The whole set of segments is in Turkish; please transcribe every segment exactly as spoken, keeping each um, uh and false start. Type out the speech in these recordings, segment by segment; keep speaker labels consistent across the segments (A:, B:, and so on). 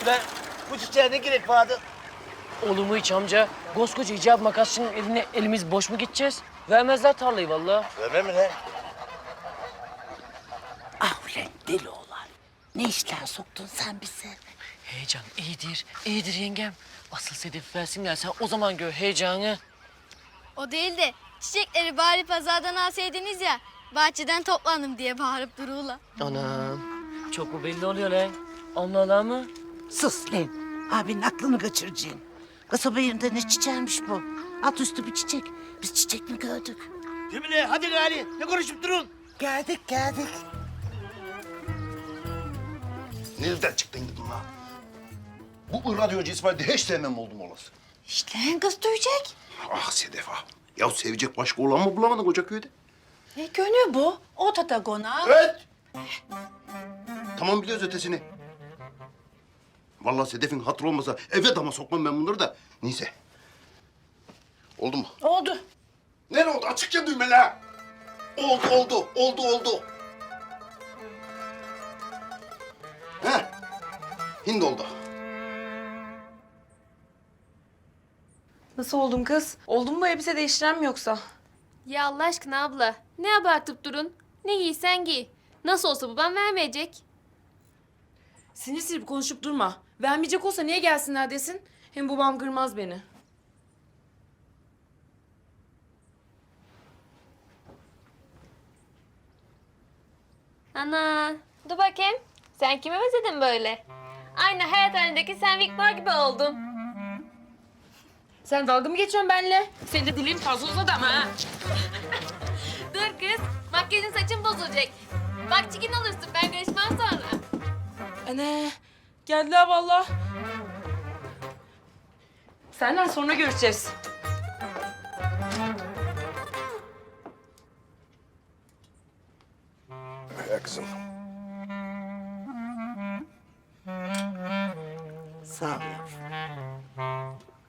A: Ulan bu çiçeğe ne gerek vardı?
B: Olur mu hiç amca? Koskoca icap makasçının eline elimiz boş mu gideceğiz? Vermezler tarlayı vallahi.
A: Vermem mi lan?
C: Ah ulan deli oğlan. Ne işler soktun sen bize?
B: Heyecan iyidir, iyidir yengem. Asıl Sedef versinler sen o zaman gör heyecanı.
D: O değil de çiçekleri bari pazardan alsaydınız ya. Bahçeden toplandım diye bağırıp duruyorlar.
B: Anam, çok mu belli oluyor lan? Allah mı?
C: Sus lan. Abinin aklını kaçıracaksın. Kasaba yerinde ne çiçeğiymiş bu? Alt üstü bir çiçek. Biz çiçek mi gördük?
A: Cemile hadi gari. Ne konuşup durun?
C: Geldik geldik.
E: Nereden çıktın gidin lan? Bu radyocu İsmail'de hiç sevmem oldum olası.
C: İşte kız duyacak.
E: Ah Sedef ah. Ya sevecek başka olan mı bulamadın koca köyde?
F: Ne gönül bu? O tatagona.
E: Evet. Tamam biliyoruz ötesini. Vallahi Sedef'in hatırı olmasa eve dama sokmam ben bunları da. Neyse. Oldu mu?
F: Oldu.
E: Nerede oldu? Açıkça düğme la. Oldu, oldu, oldu, oldu. He. Hindi oldu.
F: Nasıl oldun kız? Oldun mu elbise değiştiren mi yoksa?
G: Ya Allah aşkına abla, ne abartıp durun? Ne giysen giy. Nasıl olsa babam vermeyecek.
F: Sinir sinir konuşup durma. Vermeyecek olsa niye gelsinler desin? Hem babam kırmaz beni.
G: Ana, dur bakayım. Sen kime benzedin böyle? Aynı hayat halindeki sen Victor gibi oldun.
F: Sen dalga mı geçiyorsun benimle? Senin de dilin fazla uzadı ama ha.
G: Dur kız, makyajın saçın bozulacak. Bak çikin olursun, ben karışmam sonra.
F: Anne, geldiler vallahi. Senden sonra görüşeceğiz.
E: Ya kızım.
C: Sağ ol yavrum.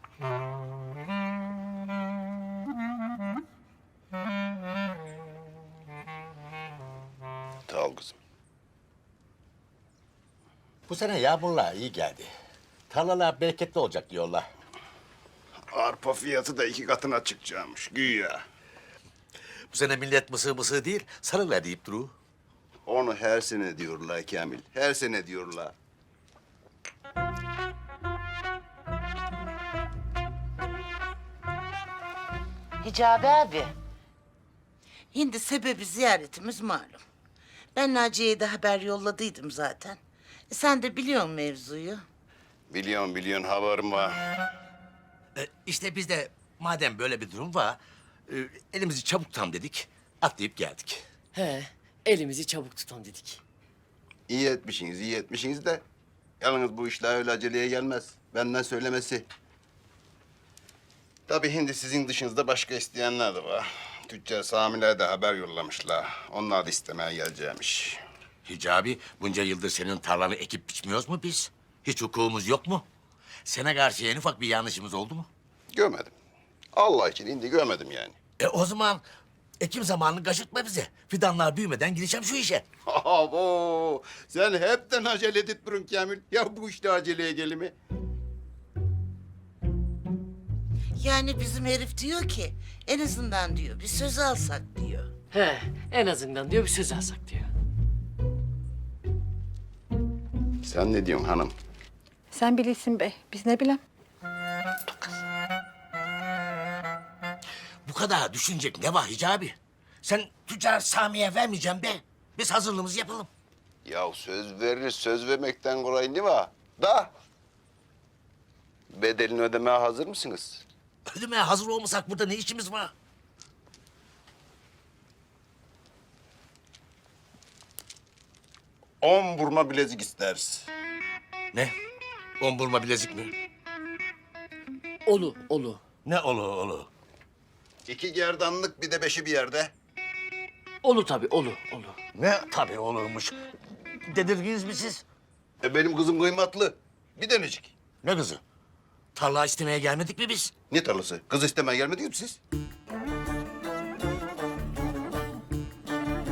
E: Sağ ol kızım.
H: Bu sene yağmurlar iyi geldi. Tarlalar bereketli olacak diyorlar.
E: Arpa fiyatı da iki katına çıkacakmış güya.
H: Bu sene millet mısır mısır değil, sarılar deyip duru.
E: Onu her sene diyorlar Kamil. Her sene diyorlar.
C: Hicabi abi. Şimdi sebebi ziyaretimiz malum. Ben Naciye'ye de haber yolladıydım zaten. E, sen de biliyorsun mevzuyu.
E: Biliyorum biliyorsun haberim var.
H: E, işte biz de madem böyle bir durum var, e, elimizi çabuk tutalım dedik, atlayıp geldik.
B: He, elimizi çabuk tutalım dedik.
E: İyi etmişsiniz, iyi etmişsiniz de... ...yalnız bu işler öyle aceleye gelmez. Benden söylemesi. Tabii hindi sizin dışınızda başka isteyenler de var. Tüccar Sami'ler de haber yollamışlar. Onlar da istemeye geleceğimiş.
H: Hicabi, bunca yıldır senin tarlanı ekip biçmiyoruz mu biz? Hiç hukukumuz yok mu? Sana karşı en ufak bir yanlışımız oldu mu?
E: Görmedim. Allah için hindi görmedim yani.
H: E o zaman ekim zamanını kaçırtma bize. Fidanlar büyümeden gireceğim şu işe.
E: Abo! Sen hepten acele edip durun Kamil. Ya bu işte aceleye gelimi.
C: Yani bizim herif diyor ki en azından diyor bir söz alsak diyor.
B: He, en azından diyor bir söz alsak diyor.
E: Sen ne diyorsun hanım?
F: Sen bilirsin be. Biz ne bilem.
H: Bu kadar düşünecek ne var Hicabi? Sen tüccar Sami'ye vermeyeceğim be. Biz hazırlığımızı yapalım.
E: Ya söz veririz, söz vermekten kolay ne var? Da! Bedelini ödemeye hazır mısınız?
H: Ödemeye hazır olmasak burada ne işimiz var?
E: On burma bilezik isteriz.
H: Ne? On burma bilezik mi?
B: Olu, olu.
H: Ne olu olu?
E: İki gerdanlık bir de beşi bir yerde.
B: Olu tabii, olu, olu.
H: Ne tabii olurmuş. Dedirdiniz mi siz?
E: E benim kızım kıymetli. Bir denecik.
H: Ne kızı? Tarla istemeye gelmedik mi biz?
E: Ne tarlası? Kız istemeye gelmediniz mi siz?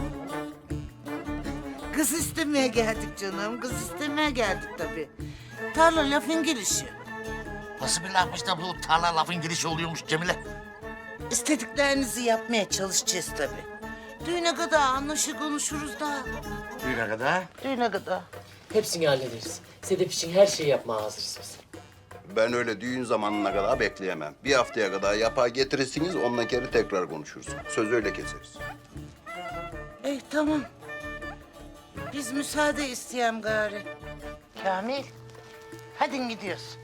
C: Kız istemeye geldik canım. Kız istemeye geldik tabii. Tarla lafın gelişi.
H: Nasıl bir lafmış da bu tarla lafın girişi oluyormuş Cemile?
C: İstediklerinizi yapmaya çalışacağız tabii. Düğüne kadar anlaşır konuşuruz da.
H: Düğüne kadar.
C: Düğüne kadar.
B: Hepsini hallederiz. Sedef için her şeyi yapmaya hazırız biz.
E: Ben öyle düğün zamanına kadar bekleyemem. Bir haftaya kadar yapar getirirsiniz, ondan geri tekrar konuşuruz. Sözü öyle keseriz.
C: Eh tamam. Biz müsaade isteyem gari. Kamil, hadi gidiyoruz.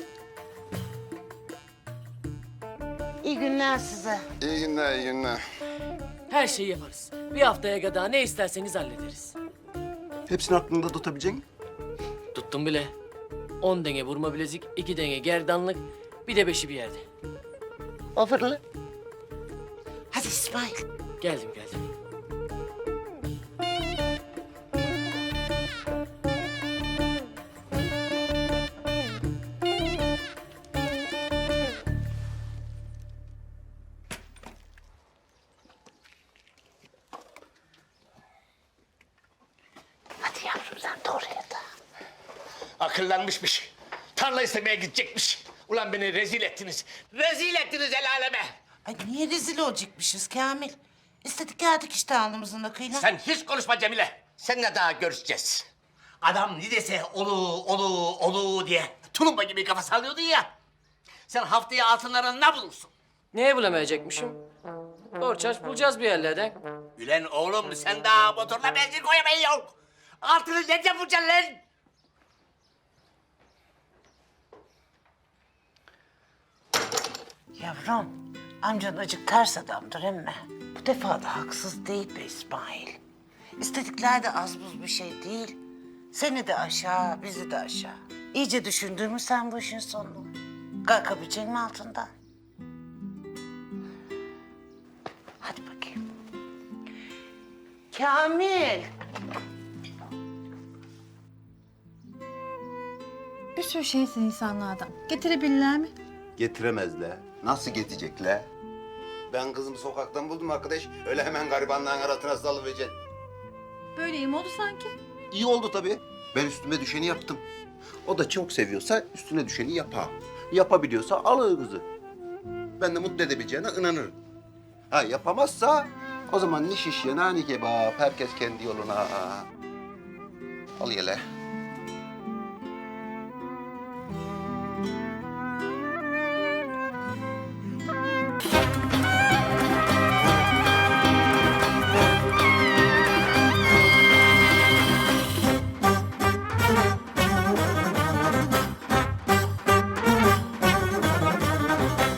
C: İyi günler size.
E: İyi günler, iyi günler.
B: Her şeyi yaparız. Bir haftaya kadar ne isterseniz hallederiz.
E: Hepsini aklında tutabileceksin.
B: Tuttum bile. On denge vurma bilezik, iki denge gerdanlık, bir de beşi bir yerde.
C: Ofurlu. Hadi İsmail.
B: Geldim geldim.
C: Hadi yavrum sen de oraya da.
H: Akıllanmışmış. Tarla istemeye gidecekmiş. Ulan beni rezil ettiniz. Rezil ettiniz el aleme.
C: Ay niye rezil olacakmışız Kamil? İstedik geldik işte alnımızın akıyla.
H: Sen hiç konuşma Cemile. Seninle daha görüşeceğiz. Adam ne dese olu, olu, olu diye tulumba gibi kafa sallıyordun ya. Sen haftaya altınlarını ne bulursun?
B: Neye bulamayacakmışım? Borç harç bulacağız bir yerlerden.
H: Ülen oğlum sen daha motorla benzin koyamayın yok. Altını ne yapacaksın lan?
C: Yavrum, amcan acık ters adamdır emme. Bu defa da haksız değil be İsmail. İstedikler de az buz bir şey değil. Seni de aşağı, bizi de aşağı. İyice düşündün mü sen bu işin sonunu? Kalkabilecek mi altından? Hadi bakayım. Kamil.
I: Bir sürü şeysin insanlardan. Getirebilirler mi?
E: Getiremezler. Nasıl getirecekler? Ben kızımı sokaktan buldum arkadaş. Öyle hemen garibanların arasına salıvereceksin.
I: Böyle iyi mi oldu sanki?
E: İyi oldu tabii. Ben üstüme düşeni yaptım. O da çok seviyorsa üstüne düşeni yapar. Yapabiliyorsa alır kızı. Ben de mutlu edebileceğine inanırım. Ha yapamazsa o zaman ni şiş yana ni kebap. Herkes kendi yoluna. Al yele.